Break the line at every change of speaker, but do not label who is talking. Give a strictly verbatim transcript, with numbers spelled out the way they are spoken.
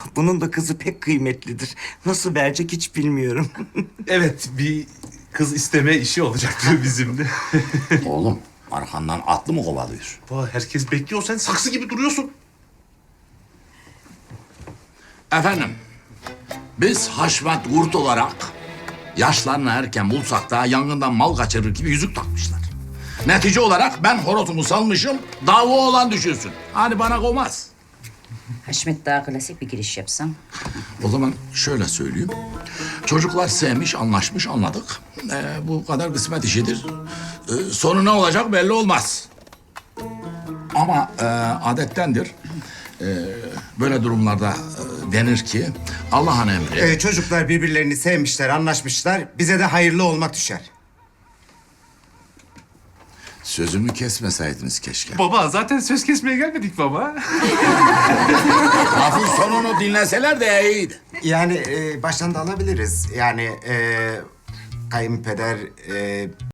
Bunun da kızı pek kıymetlidir. Nasıl verecek hiç bilmiyorum.
Evet, bir kız isteme işi olacaktı bizim de.
Oğlum arkandan atlı mı kovalıyor?
Vay, herkes bekliyor, sen saksı gibi duruyorsun.
Efendim, biz Haşmet Kurt olarak yaşlarını erken bulsak da yangından mal kaçırır gibi yüzük takmışlar. Netice olarak ben horozumu salmışım, dava olan düşünsün. Hani bana koymaz.
Haşmet daha klasik bir giriş yapsam.
O zaman şöyle söyleyeyim. Çocuklar sevmiş, anlaşmış, anladık. Ee, bu kadar kısmet işidir. Ee, sonu ne olacak belli olmaz. Ama e, adettendir. Ee, böyle durumlarda e, denir ki Allah'ın emri.
Ee, çocuklar birbirlerini sevmişler, anlaşmışlar. Bize de hayırlı olmak düşer.
Sözümü kesmeseydiniz keşke.
Baba, zaten söz kesmeye gelmedik baba.
Lafın sonunu dinleseler de iyiydi.
Yani e, baştan da alabiliriz. Yani e, kayınpeder e,